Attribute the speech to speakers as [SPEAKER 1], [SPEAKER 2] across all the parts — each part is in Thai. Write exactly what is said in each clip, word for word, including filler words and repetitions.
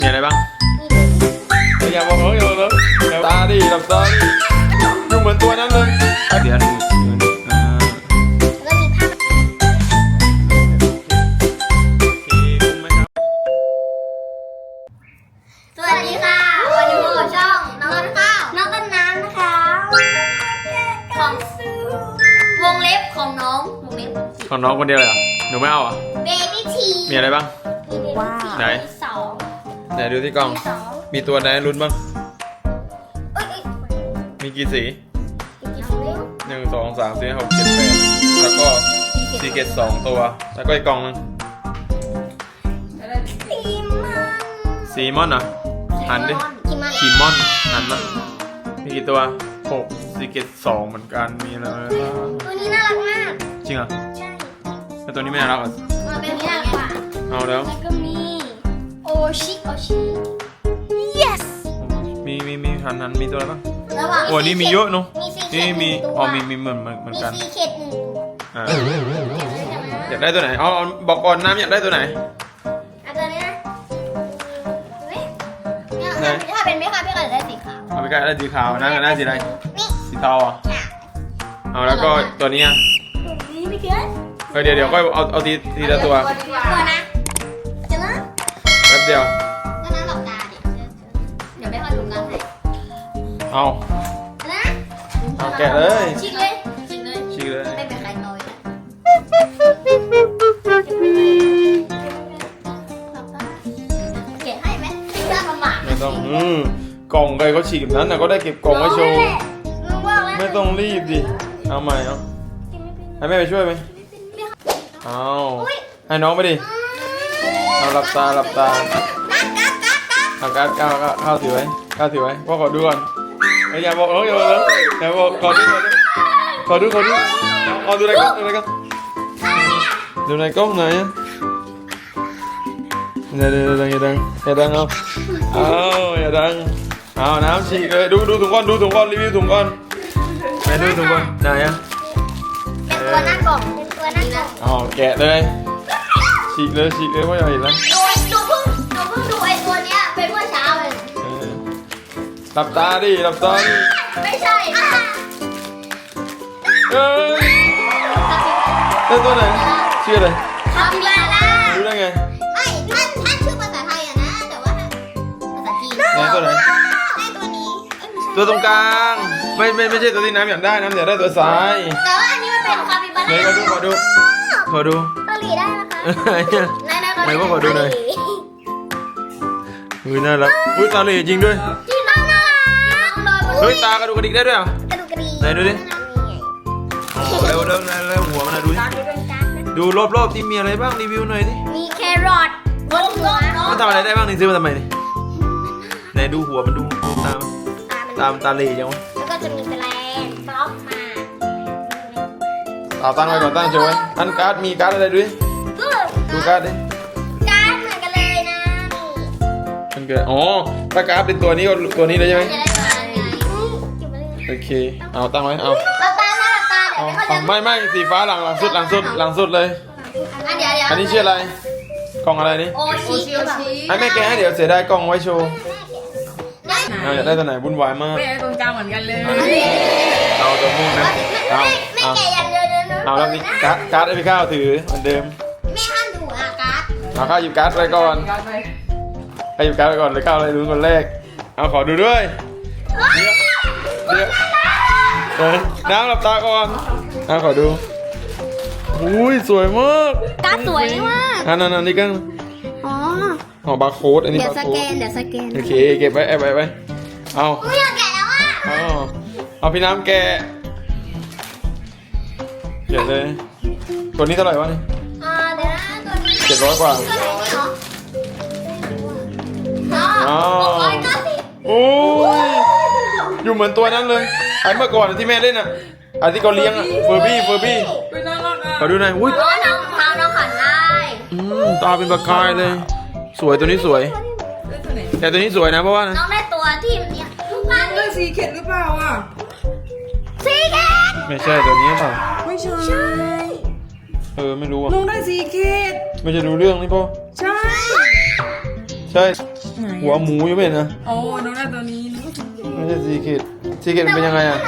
[SPEAKER 1] มีอะไรบ้างอย่าบอกเขาอย่าบอกเขาตาดิหลับตาดิดูเหมือนตัวนั้นเลยเดี๋ยวดูอ่า
[SPEAKER 2] แล้วมีภาพสวัสดีค่ะวันนี้พบกับช่องน้องต้นข้าวน้องต้นน้ำนะคะของวงเล็บของน้องวงเล็บ
[SPEAKER 1] ของน้องคนเดียวเลยเหรอหนูไม่เอาอ่ะ
[SPEAKER 2] Baby T
[SPEAKER 1] มีอะไรบ้าง
[SPEAKER 2] ว้าว
[SPEAKER 1] ไหน
[SPEAKER 2] สอง
[SPEAKER 1] ไหนดูที่กล่องมีตัวไหนลุ้นบ้าง
[SPEAKER 2] เอ้ย
[SPEAKER 1] มีกี่สี
[SPEAKER 2] กี่สีเนี่ย
[SPEAKER 1] หนึ่งสองสามสี่หกเจ็ดแปดแล้วก็ซีเกตสองตัวแล้วก็อีกกล่องนึง
[SPEAKER 2] ซีมัน
[SPEAKER 1] ซีมอนเหรอหันดิ
[SPEAKER 2] คิมัน
[SPEAKER 1] คีมอนหันมามีกี่ตัวหกซีเกตสองเหมือนกันมีอะไรบ้าง
[SPEAKER 2] ตัวนี้น่ารักมาก
[SPEAKER 1] จริงเหรอ
[SPEAKER 2] ใช่
[SPEAKER 1] แล้วตัวนี้ไม่น่ารักเหรอ
[SPEAKER 2] มาเป็นนี้น่ารักกว่า
[SPEAKER 1] เอาแล้ว
[SPEAKER 2] แล้วก็มีโอชิโอชิ yes
[SPEAKER 1] มีมีมีหันหันมีตัวอะไรบ้าง
[SPEAKER 2] ระหว่าง
[SPEAKER 1] โอ้นี่มีเยอะเนอะ
[SPEAKER 2] มีซีเค
[SPEAKER 1] นี่
[SPEAKER 2] ท
[SPEAKER 1] มี
[SPEAKER 2] หนึ่งตัว
[SPEAKER 1] อ๋อมีมีเหมือนเหมือนเหมือน
[SPEAKER 2] มี
[SPEAKER 1] กัน
[SPEAKER 2] ซีเคทหนึ่งตัว
[SPEAKER 1] อ่าอยากได้ตัวไหนเอาเอาบอกก่อนน้ำอยากได้ตัวไหน
[SPEAKER 2] เอาตัวนี้นะเฮ้ยเนี่ยถ้าเป็นไม่ค่ะพี่ก็จะได้สีขาว
[SPEAKER 1] เอาไปใกล้ได้สีขาวน้ำอยากได้สีอะไร
[SPEAKER 2] นี่
[SPEAKER 1] สีเทาอ่ะ
[SPEAKER 2] ค่ะ
[SPEAKER 1] เอาแล้วก็ตัวนี้อ่ะ
[SPEAKER 2] ตัวนี้ไม่เกิน
[SPEAKER 1] เออเดี๋ยวเดี๋ยวก็เอาเอาทีทีละตัว
[SPEAKER 2] ตัวนะจะนะ
[SPEAKER 1] แป๊บเดียว
[SPEAKER 2] ก็นั้นหลอกตาดิเดี๋ยวไม่ค่อยดูกันให้
[SPEAKER 1] เอา
[SPEAKER 2] นะ
[SPEAKER 1] เอาแกะเลย
[SPEAKER 2] ชิกเลยชิกเลย
[SPEAKER 1] ชี้เลย
[SPEAKER 2] ไม่เป็นใครโตยเก็บให้ไหมไม่ได้ประมาท
[SPEAKER 1] ไม่ต้องอืมกล่องใครเขาฉีกแบบนั้นนะก็ได้เก็บกล่องไว้โชว์
[SPEAKER 2] รู้ว่าแล้ว
[SPEAKER 1] ไม่ต้องรีบดิเอาใหม่เอาให้แม่ไปช่วยไหมเอาให้น้องไปดิเอาหลับตาหลับตาเอาการ์ดก้าวก้าวถือไว้ก้าวถือไว้พ่อขอดูก่อนเอ้ยอย่าบอกน้องอย่าบอกน้องอย่าบอกขอดูขอดูขอดูขอดูขอดูในกล้องดูในกล้องดูในกล้องไหนอ่ะอย่าดังอย่าดังอย่าดังเอาเอาอย่าดังเอาน้ำฉีกเลยดูดูถุงก้อนดูถุงก้อนรีวิวถุงก้อนไปดูถุงก้อนไหนอ่ะ
[SPEAKER 2] เป็นตัวหน้ากล่องเป็นตัวหน้ากล่อง
[SPEAKER 1] อ๋อแกะเลยฉีกเลยฉีกเลยพ่อใหญ่เห็นแล้ว
[SPEAKER 2] ดูดูเพิ่งดูเพิ่งดูไอ้ตัวเนี้ยเป็นเมื่อเช้าเลย
[SPEAKER 1] เออหลับตาดิหลับตาดิ
[SPEAKER 2] ไม่ใช่อ่ะ
[SPEAKER 1] เอ้ยได้ตัวไหนชื่ออะไร
[SPEAKER 2] คาปิบาร่า
[SPEAKER 1] รู้ได้ไง
[SPEAKER 2] ไม่ท่านท่านชื่อภาษาไทยอะนะแต่ว่าภาษาจีน
[SPEAKER 1] ไหนตัวไหน
[SPEAKER 2] ได้ตัวนี้เอ้ยไม่ใช่
[SPEAKER 1] ตัวตรงกลางไม่ไม่ไม่ใช่ตัวที่น้ำอยากได้น้ำอยากได้ตัวซ้าย
[SPEAKER 2] แต่ว่าอันนี้มันเป็นคาปิบา
[SPEAKER 1] ไหน
[SPEAKER 2] ร่า
[SPEAKER 1] ขอดูขอดูขอดู
[SPEAKER 2] เกาหลีได้นะคะ
[SPEAKER 1] เอ้ย
[SPEAKER 2] นายนาย
[SPEAKER 1] ไหนว่าขอดูหน่อย อุ้ยน่ารักอุ้ยตาเหล่จริงด้วย
[SPEAKER 2] ที่น้องน่ารักน้องโดน
[SPEAKER 1] เฮ้ยตากระดูกกระดิกได้ด้วยเหรอก
[SPEAKER 2] ระดูกกระดิ่ง
[SPEAKER 1] ไหนดูดิอ๋อแล้วแล้วแล้วแล้วหัวมันนะดูดิดูรอบๆที่มีอะไรบ้างรีวิวหน่อยดิ
[SPEAKER 2] มีแครอทบนหัว
[SPEAKER 1] มันทำอะไรได้บ้างนี่ซื้อมาทำไมนี่ไหนดูหัวมันดูตามตามตาเหล่จังวะ
[SPEAKER 2] แล้วก็จะมีแปลงบล็อกมา
[SPEAKER 1] เอาตั้งไว้ก่อนตั้งเฉยไว้อันการ์ดมีการ์ดอะไรดูดิ
[SPEAKER 2] ก็
[SPEAKER 1] ดูการ์ดดิ
[SPEAKER 2] การ์ดเหมือนกันเลยนะนี่
[SPEAKER 1] มันเกิดอ๋อถ้าการ์ดเป็นตัวนี้ก็ตัวนี้เลยใช่ไหม
[SPEAKER 2] จะได้มาไงเก็บไว้เลย
[SPEAKER 1] โอเคเอาตั้งไว้เอา
[SPEAKER 2] เราตาหน้าตาเดี๋ย
[SPEAKER 1] เอา
[SPEAKER 2] วไม่เขา
[SPEAKER 1] เอา
[SPEAKER 2] จะ
[SPEAKER 1] ไม่ไม่สีฟ้าหลังหลังสุดหลังสุดหลังสุดเลย
[SPEAKER 2] อันเดี๋ยวเดี๋ยว
[SPEAKER 1] อันนี้ชื่ออะไรกล่องอะไรนี่
[SPEAKER 2] โอชิโอชิ
[SPEAKER 1] ให้แม่แกะให้เดี๋ยวเสียดายกล่องไว้โชว์
[SPEAKER 2] ได้
[SPEAKER 1] เอาอยากได้ตัวไหนวุ่นวายมาก
[SPEAKER 3] ไม่ได้ตรงกลางเหมือนกันเลย
[SPEAKER 1] เอาตัวม่วงนะเอา
[SPEAKER 2] ไม่
[SPEAKER 1] เอา
[SPEAKER 2] แก่อย่างเดียวเลยนะ
[SPEAKER 1] เอาแล้วนี่การ์ดการ์ดให้พี่ข้าวถือเหมือนเดิม
[SPEAKER 2] แม่ห้ามดูอ่ะการ์ด
[SPEAKER 1] เอาข้าวหยิบการ์ดไปก่อน
[SPEAKER 3] การไป
[SPEAKER 1] ให้หยิบการ์ดไปก่อนเลยข้าวอะไรรู้คนแรกเอาขอดูด้วยเดี๋ยวเดี๋ยวเออน้ำหลับตาก่อนน้ำขอดูอุ้ยสวยมาก
[SPEAKER 2] การ์ดสวยมาก
[SPEAKER 1] อันนั้นอันนี้กัน
[SPEAKER 2] อ๋อ
[SPEAKER 1] อ๋อบาร์โค้ดอันนี้
[SPEAKER 2] เดี๋ยว
[SPEAKER 1] บาร์
[SPEAKER 2] ส
[SPEAKER 1] โค้
[SPEAKER 2] แก
[SPEAKER 1] ด
[SPEAKER 2] นเดี๋ยวสแกน
[SPEAKER 1] โอเคเก็บไว้แอบไว้ไว้เอา
[SPEAKER 2] อุ้ยอยากแกะแล้วอ่ะ
[SPEAKER 1] เอาเอาพี่น้ำแกะเก็บเลยตัวนี้เท่าไหร่วะนี่
[SPEAKER 2] อ่าเดี๋ยวนะตัวนี้
[SPEAKER 1] เจ็ดร้อยกว่า
[SPEAKER 2] ตัวไหนนี่เหรออ๋อหกร้อยเก้าสิบ
[SPEAKER 1] โอ้ยอยู่เหมือนตัวนั้นเลยไอ้เมื่อก่อนที่แม่เล่นอ่ะไอ้ที่เขาเลี้ยงอ่ะเฟอร์บี้เฟอร์บี้
[SPEAKER 3] ไปน่ารักอ่ะ
[SPEAKER 1] ขอดูหน่อยอุ้ย
[SPEAKER 2] อ๋อน้องเท้าน้องขันได้
[SPEAKER 1] อืมตาเป็นประกายเลย สวยตัวนี้สวย
[SPEAKER 3] ได้ตัวไหน
[SPEAKER 1] แต่ตัวนี้สวยนะเพราะว่านะ
[SPEAKER 2] น้องได้ตัวที่มันเนี่ยทุกวัน
[SPEAKER 3] ได้สีเข็ดหรือเปล่าอ่ะ
[SPEAKER 2] สีแกน
[SPEAKER 1] ไม่ใช่ตัวนี้เปล่า
[SPEAKER 3] ไม่ใช่
[SPEAKER 1] เออไม่รู้อ่ะ
[SPEAKER 3] น้องได้สีเข็ด
[SPEAKER 1] ไม่ใช่รู้เรื่องนี่พ่อ
[SPEAKER 3] ใช่
[SPEAKER 1] ใช่
[SPEAKER 3] ไหนอะ
[SPEAKER 1] หัวหมูยังไม่เห็นนะ
[SPEAKER 3] โอ้น้องได้ตัวนี้นึกว่าสีเขียว
[SPEAKER 1] ไม่ใช่ซีเกตซีเกตมันเป็นยังไงอ่ะ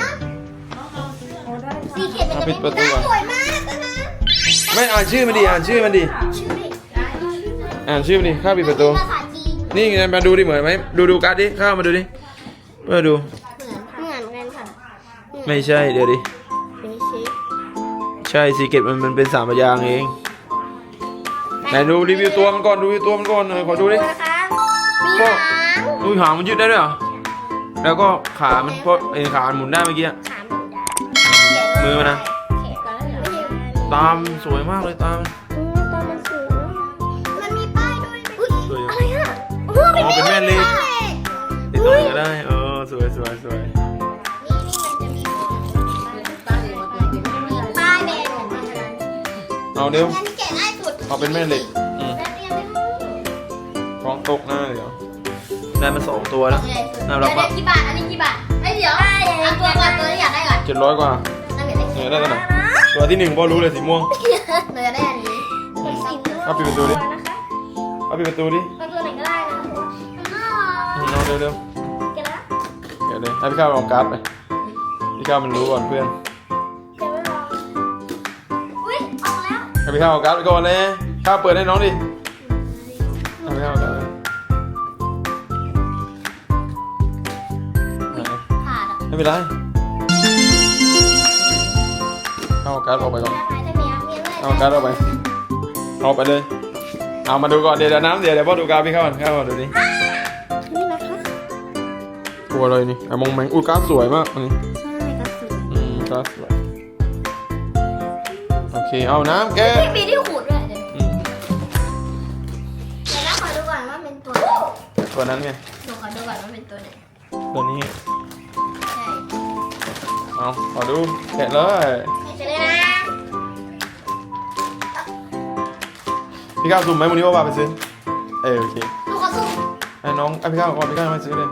[SPEAKER 2] สีเขียวมันจะ
[SPEAKER 1] ปิ
[SPEAKER 2] เป็
[SPEAKER 1] ด
[SPEAKER 2] น
[SPEAKER 1] ประตูก่อน
[SPEAKER 2] สวยมากนะนะ
[SPEAKER 1] ไม่อ่านชื่อมันดิอ่านชื่อมันดิ
[SPEAKER 2] ชื่อดิ
[SPEAKER 1] อ่านชื่อมันดิข้าปิดประตู
[SPEAKER 2] ภาษาจีน
[SPEAKER 1] นี่ไงมาดูดิเหมือนไหมดูดูการ์ดดิข้ามาดูดิเพื่อดู
[SPEAKER 2] เหมือนเหมือนกันค่ะ
[SPEAKER 1] ไม่ใช่เดี๋ยวดิ
[SPEAKER 2] เป็นชิป
[SPEAKER 1] ใช่ซีเกตมันมันเป็นสามพยางค์เองไหนดูรีวิวตัวมันก่อนดูรีวิวตัวมันก่อนหน่อยขอดูดิ
[SPEAKER 2] นะคะมีหาง
[SPEAKER 1] อุ้ยหางมันยืดได้ด้วยเหรอแล้วก็ขามันเพราะไอ้ขามันหมุนได้เมื่อกี้อะ
[SPEAKER 2] ขาหมุนได้
[SPEAKER 1] มือมันนะ
[SPEAKER 2] เขียนก่อนแล้วเหรอ
[SPEAKER 1] ตามสวยมากเลยตาม
[SPEAKER 2] อืมตอนมันสูงมันมีป้ายด้วยอุ๊ย
[SPEAKER 1] สวยอยู่
[SPEAKER 2] อะไรอ่ะโอ้โห
[SPEAKER 1] อ๋อเป็นแม่เหล็ก ติดตรงไหนก็ได้เออสวยสวยสวย
[SPEAKER 2] ป้ายแบน
[SPEAKER 1] เอาเดี๋ยว
[SPEAKER 2] งั้นแกะง่ายสุด
[SPEAKER 1] เอาเป็นแม่เหล็กอืม
[SPEAKER 2] แล้วเรียนไม่รู้
[SPEAKER 1] ฟองตกหน้าเดี๋ยวได้มาสองตัวแล้วน่ารัก
[SPEAKER 2] เดี๋ยว
[SPEAKER 1] ปะ
[SPEAKER 2] เดี๋ยวกี่บาท อันนี้กี่บาทไอ้ยเดี๋ยวเอาตัวก่อนตัวที่อยากได้ก่อน
[SPEAKER 1] เจ็ดร้อยกว่า
[SPEAKER 2] นั่นเป็น
[SPEAKER 1] เนี่ยได้ตัวไหนตัวที่หนึ่งพอรู้เลยสีม่วง
[SPEAKER 2] เราจะได้อันนี้เป็นสีม่วง
[SPEAKER 1] เอาปิดประตูดิ
[SPEAKER 2] นะคะ
[SPEAKER 1] เอาปิดประตูดิ
[SPEAKER 2] เอาตัวไหนก็ได้นะมันน่ารัก
[SPEAKER 1] เอาเร็วเร็ว
[SPEAKER 2] แกะแล้ว
[SPEAKER 1] เดี๋ยวเลยให้พี่ข้าวลองการ์ดไปพี่ข้าวมันรู้ก่อนเพื่อน
[SPEAKER 2] แกะไม่ลองอุ้ยออกแล้ว
[SPEAKER 1] ให้พี่ข้าวเอาการ์ดไปก่อนเลยข้าวเปิดให้น้องดิให้พี่ข้าวเอาการ์ดไปไหน
[SPEAKER 2] ขาดอ่ะ
[SPEAKER 1] ไม่เป็นไรเอาการ์ดออกไปก่อน
[SPEAKER 2] ได้ไหมได้ไหมมีอะไร
[SPEAKER 1] เอาการ์ดออกไปเอาไปเลย เอามาดูก่อนเดี๋ยวเดี๋ยวน้ำเดี๋ยวเดี๋ยวพ่อดูการ์ดพี่เข้าก่อนเข้ามาดูดิ
[SPEAKER 2] นี่นะคะ
[SPEAKER 1] กลัวเลยนี่ไอ้มองแมงอุ้ยการ์ดสวยมากอันนี้
[SPEAKER 2] ใช่กระสุน
[SPEAKER 1] อืมการ์ดสวยโอเคเอาน้ำแกะ
[SPEAKER 2] มีที่ขูดด้วยเดี๋ยว
[SPEAKER 1] อืม
[SPEAKER 2] เดี๋ยวนะขอดูก่อนว่าเป็นตัวไหน
[SPEAKER 1] ตัวนั้นไง
[SPEAKER 2] หนูขอดูก่อนว่าเป็นตัวไหน
[SPEAKER 1] ตัวนี้
[SPEAKER 2] ใช่
[SPEAKER 1] เอาขอดูแกะเลย
[SPEAKER 2] เจะเลยนะ
[SPEAKER 1] พี่ข้าวสุ่มไหมวันนี้ว่าว่าไปซื้อเออโอเค
[SPEAKER 2] หนูขอสุ่ม
[SPEAKER 1] ให้น้องไอ้พี่ข้าวก่อนพี่ข้าวมาซื้อเลย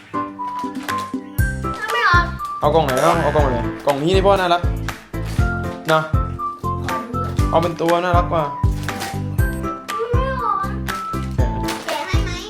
[SPEAKER 2] ถ้าไม่ออก
[SPEAKER 1] เอากล่องไหนเอาเอากล่องไหนกล่องนี้นี่พ่อน่ารักนะ
[SPEAKER 2] ขอดูก่อน
[SPEAKER 1] เอาเป็นตัวน่ารักกว่า
[SPEAKER 2] ไม่ออก
[SPEAKER 1] แกะ
[SPEAKER 2] แกะให้ไหม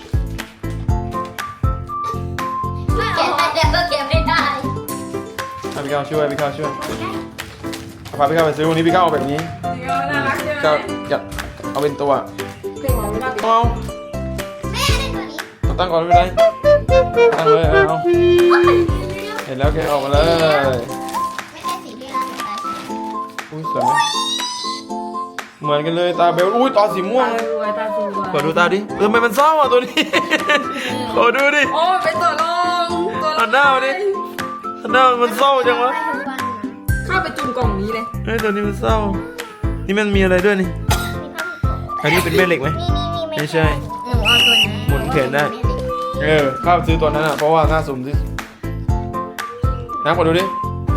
[SPEAKER 2] ไม่ออกแกะได้แต่ก็แกะไม่ได้
[SPEAKER 1] ให้พี่ข้าวช่วยพี่ข้าวช่วยเอาพาพี่ข้าวไปซื้อวันนี้พี่ข้าวเอาแบบนี้
[SPEAKER 3] นี่ก็น่ารักใช่ไหม
[SPEAKER 1] ก็อยากเอาเป็นตัว
[SPEAKER 3] เก่งของเรา
[SPEAKER 1] เอา
[SPEAKER 2] แม่ได้ตัวนี้
[SPEAKER 1] เอาตั้งก่อนไม่เป็นไรตั้งเลยเอาเห็นแล้วแกะออกมาเลย
[SPEAKER 2] ไม่ใช่สีที่เราสนใจใช่ไหม
[SPEAKER 1] อุ้ยสวยไหมเหมือนกันเลยตาเบลอุ้ยตาสีม่วง
[SPEAKER 3] ตา
[SPEAKER 1] เลย
[SPEAKER 3] สวยตาสวย
[SPEAKER 1] ขอดูตาดิเออทำไมมันเศร้าอ่ะตัวนี้ ขอดูดิ
[SPEAKER 3] โอ้เป็นตัวรองตัวร
[SPEAKER 1] หั
[SPEAKER 3] อง
[SPEAKER 1] นหน้ามาดิหันหน้ามันเศร้าจังวะ
[SPEAKER 2] ไปทุกวันนะ
[SPEAKER 3] เข้าไปจุ่มกล่องนี้เลย
[SPEAKER 1] เฮ้ยตัวนี้มันเศร้า นี่มันมีอะไรด้วยนี่ อันนี้เป็นแม่เหล็กไหม
[SPEAKER 2] นี่นี่นี่
[SPEAKER 1] ไม่ใช่
[SPEAKER 2] หนูเอาตัวนี้
[SPEAKER 1] หมุนแขนได้ เออข้าซื้อตัวนั้นอ่ะเพราะว่าหน้าสุ่มที่น้ำขอดูดิ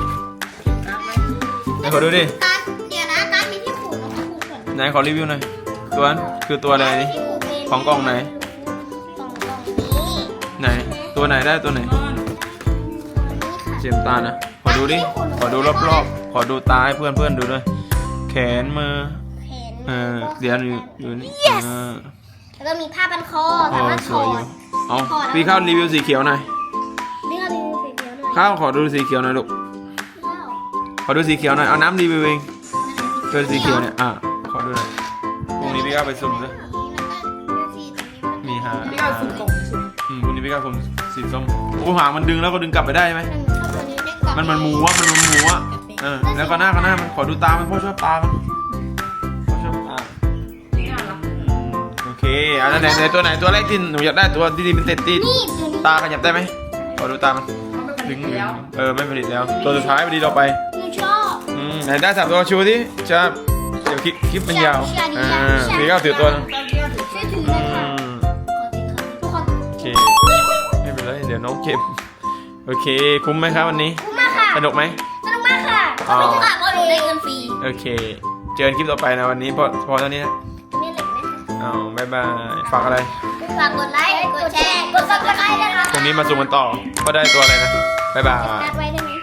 [SPEAKER 1] ไหนขอดูดิ
[SPEAKER 2] การเดี๋ยวนะการมีที่ขูดนะคะขูดก่อน
[SPEAKER 1] ไหนขอรีวิวหน่อยตัวนั้นคือตัวอะไรนี่
[SPEAKER 2] ที่ขูดเป็น
[SPEAKER 1] ของกล่องไหน
[SPEAKER 2] กล่องกล่องนี้
[SPEAKER 1] ไหนตัวไหนได้ตัวไหน
[SPEAKER 2] นี่ค่ะ
[SPEAKER 1] เจมตานะขอดูดิขอดูรอบๆขอดูตาให้เพื่อนเพื่อนๆดูด้วยแขนมือ
[SPEAKER 2] เห็น
[SPEAKER 1] เออเดี๋ยวอยู่อยู่นี่เออ
[SPEAKER 2] แล้วก็มีผ้าพันคอ
[SPEAKER 1] โอ้
[SPEAKER 2] สามารถ
[SPEAKER 1] ส
[SPEAKER 2] ถ
[SPEAKER 1] ว
[SPEAKER 2] อย
[SPEAKER 1] อยู่
[SPEAKER 2] ด
[SPEAKER 1] เอาพี่ข้าวรีวิวสีเขียวหน่อย
[SPEAKER 2] นี่ก็รีวิวสีเขียวด้วย
[SPEAKER 1] ข้าวขอดูสีเขียวหน่อยลูก
[SPEAKER 2] ว้าว
[SPEAKER 1] ขอดูสีเขียวหน่อยเอาน้ำรีวิวเองตัวสีเขียวเนี่ยอ่ะขอดูหน่อยพรุ่งนี้พี่ข้าวไปสุ่มซะมีฮะ
[SPEAKER 3] พี่ก็สุ่มกล่องนี้ใช่ไหม
[SPEAKER 1] อืมพรุ่งนี้พี่ข้าวสุ่มสีส้มโอ้หางมันดึงแล้วก็ดึงกลับไปได้ไหมมันมันหมูอะมันมันหมูอะเออแล้วก็หน้าก็หน้ามันขอดูตามันพ่อชอบตามันพ่อชอบตา
[SPEAKER 3] นี่น่ารัก
[SPEAKER 1] อืมโอเคอ่ะแล้วไหนไหนตัวไหนตัวแรกที่หนูอยากได้ตัวที่เป็นเต็ดที่
[SPEAKER 2] นี่ตัวนี้
[SPEAKER 1] ตาขยับได้ไหมขอดูตามัน
[SPEAKER 3] เขาไม่ผ
[SPEAKER 1] ดึ
[SPEAKER 3] ลิ
[SPEAKER 1] ง
[SPEAKER 3] ตแล้ว
[SPEAKER 1] เออไม่ผลิตแล้ว ตัวสุดท้ายพอดีเราไป
[SPEAKER 2] หนูชอบ
[SPEAKER 1] อืมไหนได้สามตัวชูที่จะเดี๋ยวคลิปคลิปมันยาวอ่าพี่ก็ถือตัวหนึง
[SPEAKER 2] ช่วยถือ
[SPEAKER 1] อื
[SPEAKER 2] เลยค่ะ
[SPEAKER 1] ม
[SPEAKER 2] ทุกคน
[SPEAKER 1] โอเคไม่เป็นไรเดี๋ยวน้องเก็บโอเคคุ้มไหมครับวันนี้
[SPEAKER 2] คุ้มมากค่ะ
[SPEAKER 1] สนุกไหม
[SPEAKER 2] สนุกมากค่ะ
[SPEAKER 1] อ๋อ
[SPEAKER 2] ไม่ใช่ค่ะเพราะหนูได้เงินฟรี
[SPEAKER 1] โอเค เจอกันคลิปต่อไปนะวันนี้พอพอเท่านี้นะ
[SPEAKER 2] ไม่เหล็กไหมคะ
[SPEAKER 1] อ้าวบ๊ายบายฝากอะไร
[SPEAKER 2] ฝากกดไลค์ กดแชร์ กดซับสไครต์ด้วยนะคะ
[SPEAKER 1] พรุ่งนี้มาสุ่มกันต่อก็ได้ตัวอะไรนะบ๊ายบาย
[SPEAKER 2] นัดไว้ได้ไหม